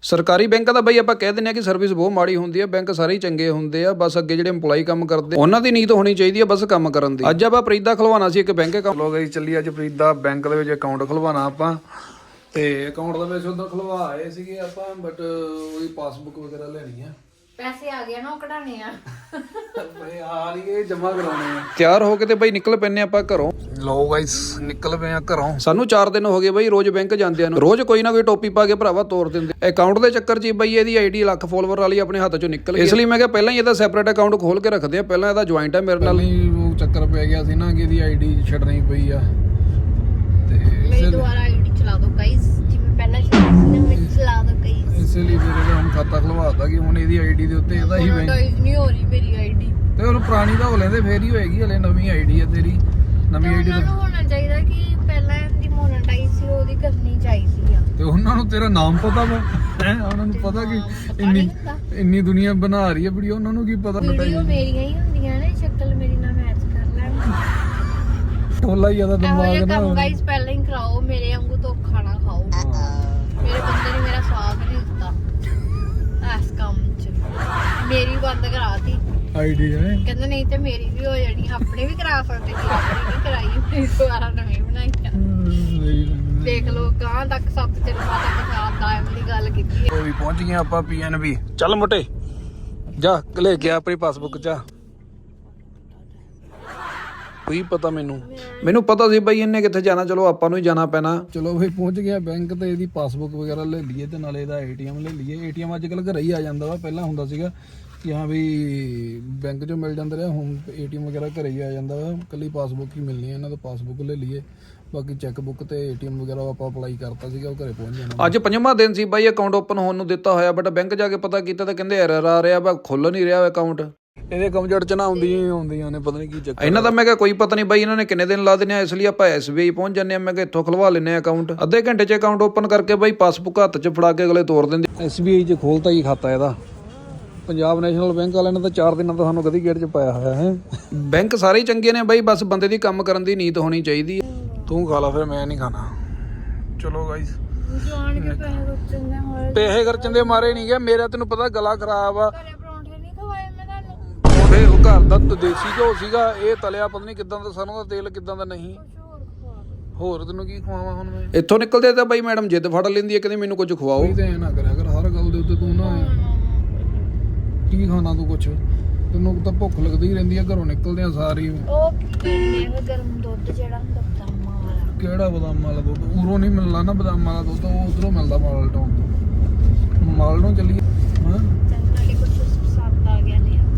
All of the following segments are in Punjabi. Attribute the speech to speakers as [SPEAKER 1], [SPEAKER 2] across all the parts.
[SPEAKER 1] ਸਰਕਾਰੀ ਬੈਂਕਾਂ ਦਾ ਬਈ ਆਪਾਂ ਕਹਿ ਦਿੰਦੇ ਆ ਕਿ ਸਰਵਿਸ ਬਹੁਤ ਮਾੜੀ ਹੁੰਦੀ ਹੈ। ਬੈਂਕ ਸਾਰੇ ਹੀ ਚੰਗੇ ਹੁੰਦੇ ਆ, ਬਸ ਅੱਗੇ ਜਿਹੜੇ EMPLOYE ਕੰਮ ਕਰਦੇ ਉਹਨਾਂ ਦੀ ਨੀਤ ਹੋਣੀ ਚਾਹੀਦੀ ਹੈ ਬਸ ਕੰਮ ਕਰਨ ਦੀ। ਅੱਜ ਆਪਾਂ ਪ੍ਰੀਤ ਦਾ ਖੁਲਵਾਉਣਾ ਸੀ ਇੱਕ ਬੈਂਕ ਅਕਾਊਂਟ। ਚਲੋ ਗਈ ਚੱਲੀ ਅੱਜ ਪ੍ਰੀਤ ਦਾ ਬੈਂਕ ਦੇ ਵਿੱਚ ਅਕਾਊਂਟ ਖੁਲਵਾਉਣਾ ਆਪਾਂ, ਤੇ ਅਕਾਊਂਟ ਦੇ ਵਿੱਚ ਉਦੋਂ ਖੁਲਵਾ ਆਏ ਸੀਗੇ ਆਪਾਂ, ਬਟ ਉਹਦੀ ਪਾਸਬੁੱਕ ਵਗੈਰਾ ਲੈਣੀ ਆ।
[SPEAKER 2] ਪੈਸੇ ਆ ਗਏ ਨਾ, ਉਹ ਕਢਾਣੇ ਆ
[SPEAKER 1] ਬਈ ਆ ਨਹੀਂ ਇਹ ਜਮਾ ਕਰਾਉਣੇ ਆ। ਤਿਆਰ ਹੋ ਕੇ ਤੇ ਬਈ ਨਿਕਲ ਪੈਨੇ ਆਪਾਂ ਘਰੋਂ। ਲੋ ਗਾਇਸ ਨਿਕਲ ਪਏ ਆ ਘਰੋਂ। ਸਾਨੂੰ 4 ਦਿਨ ਹੋ ਗਏ ਬਈ ਰੋਜ਼ ਬੈਂਕ ਜਾਂਦਿਆਂ ਨੂੰ। ਰੋਜ਼ ਕੋਈ ਨਾ ਕੋਈ ਟੋਪੀ ਪਾ ਕੇ ਭਰਾਵਾ ਤੋਰ ਦਿੰਦੇ। ਅਕਾਊਂਟ ਦੇ ਚੱਕਰ 'ਚ ਬਈ ਇਹਦੀ ਆਈਡੀ ਲੱਖ ਫੋਲੋਵਰ ਵਾਲੀ ਆਪਣੇ ਹੱਥ 'ਚੋਂ ਨਿਕਲ ਗਈ। ਇਸ ਲਈ ਮੈਂ ਕਿਹਾ ਪਹਿਲਾਂ ਹੀ ਇਹਦਾ ਸੈਪਰੇਟ ਅਕਾਊਂਟ ਖੋਲ ਕੇ ਰੱਖਦੇ ਆ। ਪਹਿਲਾਂ ਇਹਦਾ ਜੁਆਇੰਟ ਆ ਮੇਰੇ ਨਾਲ ਹੀ, ਉਹ ਚੱਕਰ ਪੈ ਗਿਆ ਸੀ ਨਾ ਕਿ ਇਹਦੀ ਆਈਡੀ ਛੱਡਣੀ ਪਈ ਆ। ਤੇ
[SPEAKER 2] ਮੇਰੀ ਦੁਬਾਰਾ ਆਈਡੀ ਚਲਾ ਦਿਓ ਗਾਇਸ, ਜਿਵੇਂ ਪਹਿਲਾਂ ਚਲਾਈ ਸੀ ਚਲਾ ਦਿਓ ਗਾਇਸ।
[SPEAKER 1] ਇਸੇ ਲਈ ਫਿਰ ਇਹਦਾ ਹੁਣ ਖਾਤਾ ਖੁਲਵਾਤਾ ਕਿ ਹੁਣ ਇਹਦੀ ਆਈਡੀ ਦੇ ਉੱਤੇ ਇਹਦਾ ਹੀ ਬੈਂਕ
[SPEAKER 2] ਨਹੀਂ ਹੋ ਰਹੀ ਮੇਰੀ ਆਈਡੀ।
[SPEAKER 1] ਤੇ ਹੁਣ ਪੁਰਾਣੀ ਤਾਂ ਹੋ ਲੈਂਦੇ ਫੇਰ ਹੀ ਹੋਏਗੀ। ਹਲੇ ਨਵੀਂ ਆਈਡੀ ਆ ਤੇਰੀ, ਨਵੀਂ ਆਈਡੀ
[SPEAKER 2] ਉਹਨਾਂ ਨੂੰ ਹੋਣਾ ਚਾਹੀਦਾ ਕਿ ਪਹਿਲਾਂ ਇਹਦੀ ਮੋਨੇਟਾਈਜ਼ ਸੀ ਉਹਦੀ ਕਰਨੀ ਚਾਹੀਦੀ ਆ।
[SPEAKER 1] ਤੇ ਉਹਨਾਂ ਨੂੰ ਤੇਰਾ ਨਾਮ ਪਤਾ ਵਾ ਹੈ, ਉਹਨਾਂ ਨੂੰ ਪਤਾ ਕਿ ਇੰਨੀ ਦੁਨੀਆ ਬਣਾ ਰਹੀ ਹੈ ਵੀਡੀਓ, ਉਹਨਾਂ ਨੂੰ ਕੀ ਪਤਾ।
[SPEAKER 2] ਵੀਡੀਓ ਮੇਰੀਆਂ ਹੀ ਹੁੰਦੀਆਂ ਨੇ, ਸ਼ਕਲ ਮੇਰੀ ਨਾਲ ਮੈਚ ਕਰ ਲੈਣ।
[SPEAKER 1] ਟੋਲਾ ਹੀ ਆਦਾ ਦਿਮਾਗ ਨਾ।
[SPEAKER 2] ਗਾਇਸ ਪਹਿਲਾਂ ਹੀ ਕਰਾਓ, ਮੇਰੇ ਵਾਂਗੂ ਧੋਖਾ ਨਾ ਖਾਓ। ਮੇਰੇ ਬੰਦੇ ਨੇ ਮੇਰਾ ਸਾਥ ਨਹੀਂ ਦਿੱਤਾ ਇਸ ਕੰਮ 'ਚ, ਮੇਰੀ ਬੰਦ ਕਰਾਤੀ
[SPEAKER 1] ਆਈਡੀ ਹੈ।
[SPEAKER 2] ਕਹਿੰਦਾ ਨਹੀਂ ਤੇ ਮੇਰੀ ਵੀ ਹੋ ਜਾਣੀ, ਆਪਣੇ ਵੀ ਕਰਾ ਸਕਦੇ ਸੀ, ਆਪਣੀ ਵੀ ਕਰਾਈ, ਦੁਬਾਰਾ ਨਵੀਂ ਬਣਾਈ ਆ। ਦੇਖ ਲੋ ਗਾਂ ਤੱਕ ਸੱਤ ਚਿਰ ਮਾਤਾ ਪਛਾਣ ਦਾ ਵਾਲੀ ਗੱਲ ਕੀਤੀ।
[SPEAKER 1] ਉਹ ਵੀ ਪਹੁੰਚ ਗਏ ਆਪਾਂ PNB। ਚੱਲ ਮੋਟੇ ਜਾ ਲੈ ਕੇ ਆਪਣੀ ਪਾਸਬੁੱਕ ਜਾ। ਕੋਈ ਪਤਾ ਮੈਨੂੰ ਪਤਾ ਸੀ ਬਈ ਇਹਨੇ ਕਿੱਥੇ ਜਾਣਾ, ਚਲੋ ਆਪਾਂ ਨੂੰ ਹੀ ਜਾਣਾ ਪੈਣਾ। ਚਲੋ ਬਈ ਪਹੁੰਚ ਗਿਆ ਬੈਂਕ ਤੇ ਇਹਦੀ ਪਾਸਬੁੱਕ ਵਗੈਰਾ ਲੈ ਲਈਏ ਤੇ ਨਾਲੇ ਇਹਦਾ ATM ਲੈ ਲਈਏ। ATM ਅੱਜ ਕੱਲ ਘਰੇ ਹੀ ਆ ਜਾਂਦਾ ਵਾ, ਪਹਿਲਾਂ ਹੁੰਦਾ ਸੀਗਾ ਕਿ ਹਾਂ ਵੀ ਬੈਂਕ 'ਚੋਂ ਮਿਲ ਜਾਂਦਾ ਰਿਹਾ, ਹੁਣ ATM ਵਗੈਰਾ ਘਰੇ ਹੀ ਆ ਜਾਂਦਾ ਵਾ। ਕੱਲੀ ਪਾਸਬੁੱਕ ਹੀ ਮਿਲਣੀ ਹੈ, ਇਹਨਾਂ ਤੋਂ ਪਾਸਬੁੱਕ ਲੈ ਲਈਏ। ਬਾਕੀ ਚੈੱਕ ਬੁੱਕ ਤੇ ATM ਵਗੈਰਾ ਆਪਾਂ ਅਪਲਾਈ ਕਰਤਾ ਸੀਗਾ, ਉਹ ਘਰੇ ਪਹੁੰਚ ਜਾਣਾ। ਅੱਜ 5ਵਾਂ ਦਿਨ ਸੀ ਬਾਈ ਅਕਾਊਂਟ ਓਪਨ ਹੋਣ ਨੂੰ ਦਿੱਤਾ ਹੋਇਆ, ਬਟ ਬੈਂਕ ਜਾ ਕੇ ਪਤਾ ਕੀਤਾ ਤਾਂ ਕਹਿੰਦੇ ਐਰਰ ਆ ਰਿਹਾ ਵਾ, ਖੁੱਲ ਨਹੀਂ ਰਿਹਾ ਅਕਾਊਂਟ। ਇਹਦੇ ਕੰਪਿਊਟਰ 'ਚ ਨਾ ਆਉਂਦੀਆਂ ਨੇ, ਪਤਾ ਨਹੀਂ ਕੀ ਚੱਕਰ ਇਹਨਾਂ ਦਾ। ਮੈਂ ਕਿਹਾ ਕੋਈ ਪਤਾ ਨਹੀਂ ਬਾਈ ਇਹਨਾਂ ਨੇ ਕਿੰਨੇ ਦਿਨ ਲਾ ਦੇਣੇ ਆ, ਇਸ ਲਈ ਆਪਾਂ SBI ਪਹੁੰਚ ਜਾਂਦੇ ਆ। ਮੈਂ ਕਿਹਾ ਇੱਥੋਂ ਖੁਲਵਾ ਲੈਂਦੇ ਆ ਅਕਾਊਂਟ। ਅੱਧੇ ਘੰਟੇ 'ਚ ਅਕਾਊਂਟ ਓਪਨ ਕਰਕੇ ਬਾਈ ਪਾਸਬੁੱਕ ਹੱਥ 'ਚ ਫੜਾ ਕੇ ਅਗਲੇ ਤੋਰ ਦਿੰਦੇ। SBI 'ਚ ਖੋਲਤਾ ਹੀ ਖਾਤਾ ਇਹਦਾ। ਪੰਜਾਬ ਨੈਸ਼ਨਲ ਬੈਂਕ ਵਾਲਿਆਂ ਨੇ ਤਾਂ 4 ਦਿਨਾਂ ਤੋਂ ਸਾਨੂੰ ਕਦੀ ਗੇਟ 'ਚ ਪਾਇਆ ਹੋਇਆ ਹੈ। ਬੈਂਕ ਸਾਰੇ ਹੀ ਚੰਗੇ ਨੇ ਬਾਈ, ਬਸ ਬੰਦੇ ਦੀ ਕੰਮ ਕਰਨ ਦੀ ਨੀਤ ਹੋਣੀ ਚਾਹੀਦੀ ਹੈ। ਤੂੰ ਖਾ ਲਾ ਫਿਰ, ਮੈਂ ਨਹੀਂ ਖਾਣਾ। ਚਲੋ ਗਾਈਸ
[SPEAKER 2] ਜਾਣ ਕੇ
[SPEAKER 1] ਪੈਸੇ ਖਰਚਣ ਦੇ ਮਾਰੇ ਨਹੀਂ ਗਿਆ ਮੇਰਾ, ਤੈਨੂੰ ਪਤਾ ਗਲਾ ਖਰਾਬ ਆ।
[SPEAKER 2] ਪਰੌਂਠੇ ਨਹੀਂ ਖਵਾਏ ਮੈਂ ਤੁਹਾਨੂੰ।
[SPEAKER 1] ਪਰੌਂਠੇ ਉਹ ਘਰ ਦਾ ਦੇਸੀ ਘਿਓ ਸੀਗਾ, ਇਹ ਤਲਿਆ ਪਤਾ ਨਹੀਂ ਕਿੱਦਾਂ ਦਾ, ਸਰੋਂ ਦਾ ਤੇਲ ਕਿੱਦਾਂ ਦਾ ਨਹੀਂ। ਹੋਰ ਤੈਨੂੰ ਕੀ ਖਵਾਵਾਂ ਹੁਣ ਮੈਂ। ਇੱਥੋਂ ਨਿਕਲਦੇ ਤਾਂ ਬਾਈ ਮੈਡਮ ਜਿੱਦ ਫੜ ਲੈਂਦੀ ਹੈ, ਕਹਿੰਦੀ ਮੈਨੂੰ ਕੁਝ ਖਵਾਓ। ਤੇ ਐ ਨਾ ਕਰਿਆ ਕਰ ਹਰ ਗੱਲ ਦੇ ਉੱਤੇ ਤੂੰ ਨਾ ਕੀ ਖਾਣਾ ਤੂੰ ਕੁਛ, ਤੈਨੂੰ ਤਾਂ ਭੁੱਖ ਲੱਗਦੀ ਰਹਿੰਦੀ ਆ ਘਰੋਂ ਨਿਕਲਦੇ ਆ ਸਾਰੀ।
[SPEAKER 2] ਉਹ ਗਰਮ ਦੁੱਧ ਜਿਹੜਾ ਹੁੰਦਾ ਬਦਾਮਾਂ ਵਾਲਾ।
[SPEAKER 1] ਕਿਹੜਾ ਬਦਾਮਾਂ ਵਾਲਾ ਦੁੱਧ? ਉਰੋਂ ਨਹੀਂ ਮਿਲਣਾ ਨਾ ਬਦਾਮਾਂ ਵਾਲਾ ਦੁੱਧ, ਉਹ ਉਧਰੋਂ ਮਿਲਦਾ ਮਾਲ ਟਾਊਨ ਤੋਂ। ਮਾਲ ਨੂੰ ਚੱਲੀਏ। ਹਾਂ
[SPEAKER 2] ਚੰਗਾ ਕੁਝ ਪਸੰਦ ਆ ਗਿਆ ਨੇ।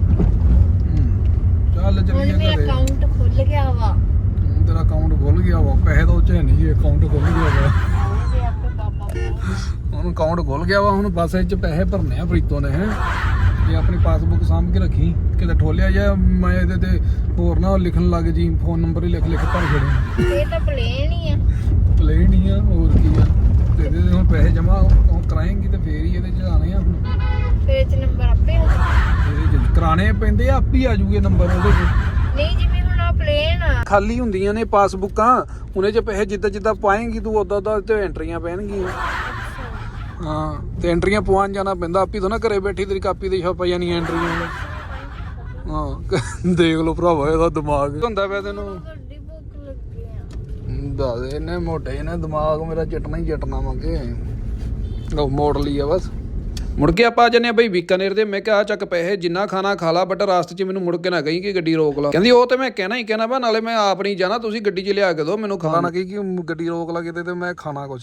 [SPEAKER 1] ਚੱਲ ਚੱਲੀਏ।
[SPEAKER 2] ਮੇਰਾ ਅਕਾਊਂਟ ਖੁੱਲ ਗਿਆ ਵਾ।
[SPEAKER 1] ਤੇਰਾ ਅਕਾਊਂਟ ਖੁੱਲ ਗਿਆ ਵਾ, ਪੈਸੇ ਤਾਂ ਉੱਚੇ ਨਹੀਂ, ਅਕਾਊਂਟ ਖੁੱਲ ਗਿਆ ਵਾ।
[SPEAKER 2] ਆਉਂਦੇ ਆਪੇ ਬਾਬਾ
[SPEAKER 1] ਹੁਣ ਅਕਾਊਂਟ ਖੁੱਲ ਗਿਆ ਵਾ, ਹੁਣ ਬਸ ਇਹ 'ਚ ਪੈਸੇ ਭਰਨੇ ਆ ਪ੍ਰੀਤੋਂ ਨੇ। ਹੈ ਤੇ ਆਪਣੀ ਪਾਸਬੁੱਕ ਸਾਂਭ ਕੇ ਰੱਖੀ, ਕਿਤੇ ਠੋਲਿਆ ਜਾ ਮੈਂ ਇਹਦੇ ਤੇ ਹੋਰ ਨਾ ਲਿਖਣ ਲੱਗ ਜੀ, ਫੋਨ ਨੰਬਰ ਹੀ ਲਿਖ ਭਰ ਛੜੇ।
[SPEAKER 2] ਇਹ ਤਾਂ ਪਲੇਨ ਹੀ ਆ।
[SPEAKER 1] ਪਲੇਨ ਹੀ ਆ, ਹੋਰ ਕੀ ਆ। ਤੇ ਇਹਦੇ ਹੁਣ ਪੈਸੇ ਜਮਾ ਕਰਾਏਂਗੀ ਤੇ ਫੇਰ ਹੀ ਇਹਦੇ 'ਚ ਆਣੇ ਆ। ਹੁਣ
[SPEAKER 2] ਫਿਰ ਇਹ 'ਚ ਨੰਬਰ ਆਪੇ ਆ ਜਾਊਗਾ।
[SPEAKER 1] ਇਹਦੇ 'ਚ ਕਰਾਣੇ ਪੈਂਦੇ ਆ, ਆਪੇ ਆ ਜੂਗੇ ਨੰਬਰ ਉਹਦੇ 'ਚ।
[SPEAKER 2] ਨਹੀਂ ਜਿਵੇਂ ਹੁਣ ਆ ਪਲੇਨ ਆ,
[SPEAKER 1] ਖਾਲੀ ਹੁੰਦੀਆਂ ਨੇ ਪਾਸਬੁੱਕਾਂ, ਉਹਨੇ 'ਚ ਪੈਸੇ ਜਿੱਦਾਂ ਪਾਏਂਗੀ ਤੂੰ ਉਦਾਂ ਤੇ ਐਂਟਰੀਆਂ ਪੈਣਗੀਆਂ। ਹਾਂ ਤੇ ਐਂਟਰੀਆਂ ਪਵਾਉਣ ਜਾਣਾ ਪੈਂਦਾ, ਆਪੀ ਤੋਂ ਨਾ ਘਰੇ ਬੈਠੀ ਤੇਰੀ ਕਾਪੀ ਤੇ ਛਪ ਜਾਣੀ ਐਂਟਰੀਆਂ। ਹਾਂ ਦੇਖ ਲਓ ਭਰਾਵਾ ਇਹਦਾ ਦਿਮਾਗ ਹੁੰਦਾ ਪਿਆ ਤੈਨੂੰ।
[SPEAKER 2] ਵੱਡੀ ਭੁੱਖ ਲੱਗੀ ਆ।
[SPEAKER 1] ਦੱਸ ਇਹਨੇ ਮੋਟੇ ਇਹਨੇ ਦਿਮਾਗ ਮੇਰਾ ਚਟਣਾ ਹੀ ਚਟਣਾ ਮੰਗੇ। ਲਓ ਮੋੜ ਲਈ ਆ ਬਸ। ਮੁੜ ਕੇ ਆਪਾਂ ਆ ਜੰਨੇ ਬਈ ਬੀਕਾਨੇਰ ਦੇ। ਮੈਂ ਕਿਹਾ ਆ ਚੱਕ ਪੈਸੇ, ਜਿੰਨਾ ਖਾਣਾ ਖਾ ਲਾ, ਬਟ ਰਾਸਤੇ 'ਚ ਮੈਨੂੰ ਮੁੜ ਕੇ ਨਾ ਕਹੀਂ ਕਿ ਗੱਡੀ ਰੋਕ ਲਾ। ਕਹਿੰਦੀ ਉਹ ਤੇ ਮੈਂ ਕਹਿਣਾ ਹੀ ਕਹਿਣਾ ਵਾ, ਨਾਲੇ ਮੈਂ ਆਪ ਨਹੀਂ ਜਾਣਾ, ਤੁਸੀਂ ਗੱਡੀ 'ਚ ਲਿਆ ਕੇ ਦਿਓ ਮੈਨੂੰ ਖਾਣਾ। ਨਾ ਕਿ ਗੱਡੀ ਰੋਕ ਲਾ ਕਿਤੇ ਤੇ ਮੈਂ ਖਾਣਾ ਕੁਛ।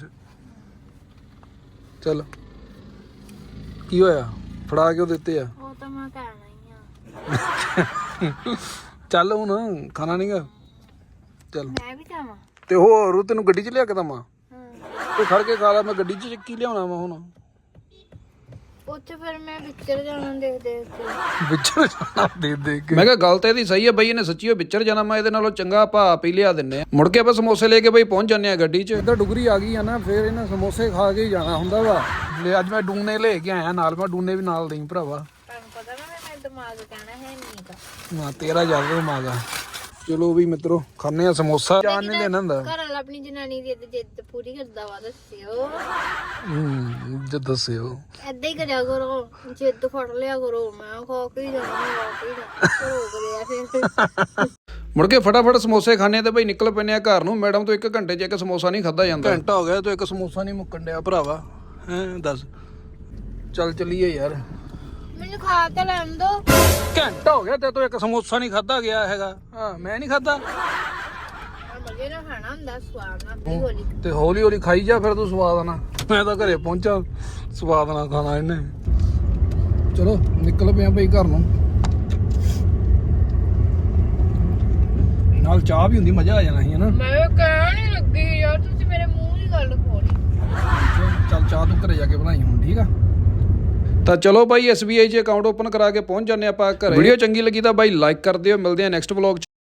[SPEAKER 1] ਚੱਲ ਕੀ ਹੋਇਆ, ਫੜਾ ਕਿਉਂ ਦਿੱਤੇ ਆ?
[SPEAKER 2] ਉਹ ਤਾਂ ਮੈਂ ਕਹਿਣਾ ਹੀ ਆ।
[SPEAKER 1] ਚੱਲ ਹੁਣ ਖਾਣਾ ਨਹੀਂਗਾ। ਚੱਲ
[SPEAKER 2] ਮੈਂ ਵੀ ਜਾਵਾਂ
[SPEAKER 1] ਤੇ ਹੋਰ ਤੈਨੂੰ ਗੱਡੀ 'ਚ ਲਿਆ ਕੇ ਦਵਾਂ? ਤੂੰ ਖੜ ਕੇ ਖਾ ਲਾ, ਮੈਂ ਗੱਡੀ 'ਚ ਕੀ ਲਿਆਉਣਾ ਵਾ ਹੁਣ?
[SPEAKER 2] ਉੱਥੇ ਫਿਰ ਮੈਂ ਵਿਚਰ ਜਾਣਾ ਦੇਖ ਕੇ।
[SPEAKER 1] ਵਿਚਰ ਜਾਣਾ ਦੇਖ ਕੇ। ਮੈਂ ਕਿਹਾ ਗੱਲ ਤਾਂ ਇਹਦੀ ਸਹੀ ਹੈ ਬਈ, ਇਹਨੇ ਸੱਚੀ ਵਿਚਰ ਜਾਣਾ। ਮੈਂ ਇਹਦੇ ਨਾਲੋਂ ਚੰਗਾ ਆਪਾਂ ਆਪ ਹੀ ਲਿਆ ਦਿੰਨੇ ਆ। ਮੁੜ ਕੇ ਆਪਾਂ ਸਮੋਸੇ ਲੈ ਕੇ ਬਈ ਪਹੁੰਚ ਜਾਂਦੇ ਆ ਗੱਡੀ 'ਚ। ਇੱਧਰ ਡੁਗਰੀ ਆ ਗਈ ਆ ਨਾ, ਫਿਰ ਇਹਨਾਂ ਸਮੋਸੇ ਖਾ ਕੇ ਹੀ ਜਾਣਾ ਹੁੰਦਾ ਵਾ। ਅੱਜ ਮੈਂ ਡੂਨੇ ਲੈ ਕੇ ਆਇਆ ਨਾਲ, ਮੈਂ ਡੂਨੇ ਵੀ ਨਾਲ ਦੇਈ ਭਰਾਵਾ।
[SPEAKER 2] ਤੁਹਾਨੂੰ ਪਤਾ ਨਾ ਮੇਰਾ ਦਿਮਾਗ ਕਹਿਣਾ ਹੈ ਨਹੀਂ ਦਾ।
[SPEAKER 1] ਹਾਂ ਤੇਰਾ ਜ਼ਿਆਦਾ ਦਿਮਾਗ ਆ। ਚਲੋ ਵੀ ਮਿੱਤਰੋ ਖਾਣੇ ਆ ਸਮੋਸਾ ਜਾਣ ਨਹੀਂ ਦੇਣਾ ਹੁੰਦਾ
[SPEAKER 2] ਘਰ ਵਾਲਾ ਆਪਣੀ ਜਨਾਨੀ ਦੀ ਜਿੱਦ ਪੂਰੀ ਕਰਦਾ ਵਾ ਦੱਸਿਓ
[SPEAKER 1] ਜਦ ਦੱਸਿਓ
[SPEAKER 2] ਏਦਾਂ ਹੀ ਕਰਿਆ ਕਰੋ ਜਿੱਦ ਫੜ ਲਿਆ ਕਰੋ ਮੈਂ ਖਾ ਕੇ ਹੀ ਜਾਣਾ ਰੋਕਦੇ ਆ ਫਿਰ
[SPEAKER 1] ਮੁੜ ਕੇ ਫਟਾਫਟ ਸਮੋਸੇ ਖਾਣੇ ਤੇ ਬਈ ਨਿਕਲ ਪੈਨੇ ਆ ਘਰ ਨੂੰ ਮੈਡਮ ਤੋਂ 1 ਘੰਟੇ 'ਚ ਇੱਕ ਸਮੋਸਾ ਨਹੀਂ ਖਾਦਾ ਜਾਂਦਾ ਘੰਟਾ ਹੋ ਗਿਆ ਤੂੰ ਇੱਕ ਸਮੋਸਾ ਨਹੀਂ ਮੁੱਕਣ ਡਿਆ ਭਰਾਵਾ ਹੈਂ ਦੱਸ ਚੱਲ ਚੱਲੀਏ ਯਾਰ
[SPEAKER 2] ਮੈਨੂੰ ਖਾ ਕੇ ਲੈਣ ਦੋ
[SPEAKER 1] ਘੰਟਾ ਹੋ ਗਿਆ ਤੇ ਤੂੰ ਇੱਕ ਸਮੋਸਾ ਨਹੀਂ ਖਾਦਾ ਗਿਆ ਹੈਗਾ ਹਾਂ ਮੈਂ ਨਹੀਂ ਖਾਦਾ
[SPEAKER 2] ਮਜ਼ੇ ਨਾਲ ਖਾਣਾ ਹੁੰਦਾ ਸਵਾਦ ਨਾਲ ਹੌਲੀ
[SPEAKER 1] ਤੇ ਹੌਲੀ ਹੌਲੀ ਖਾਈ ਜਾ ਫਿਰ ਤੂੰ ਸਵਾਦ ਨਾਲ ਮੈਂ ਤਾਂ ਘਰੇ ਪਹੁੰਚਾ ਸਵਾਦ ਨਾਲ ਖਾਣਾ ਇਹਨੇ ਚਲੋ ਨਿਕਲ ਪਿਆ ਬਈ ਘਰ ਨੂੰ ਨਾਲ ਚਾਹ ਵੀ ਹੁੰਦੀ ਮਜ਼ਾ ਆ ਜਾਣਾ ਸੀ ਹਨਾ
[SPEAKER 2] ਮੈਂ ਕਹਿਣ ਨਹੀਂ ਲੱਗੀ ਯਾਰ ਤੁਸੀਂ ਮੇਰੇ ਮੂੰਹ ਦੀ ਗੱਲ ਖੋਲੀ
[SPEAKER 1] ਚੱਲ ਚਾਹ ਤੂੰ ਘਰੇ ਜਾ ਕੇ ਬਣਾਈ ਹੁਣ ਠੀਕ ਆ ਤਾਂ ਚਲੋ ਬਾਈ SBI 'ਚ ਅਕਾਊਂਟ ਓਪਨ ਕਰਾ ਕੇ ਪਹੁੰਚ ਜਾਂਦੇ ਆਪਾਂ ਘਰੇ ਵੀਡੀਓ ਚੰਗੀ ਲੱਗੀ ਤਾਂ ਬਾਈ ਲਾਈਕ ਕਰ ਦਿਓ ਮਿਲਦੇ ਆ ਨੈਕਸਟ ਵਲੌਗ 'ਚ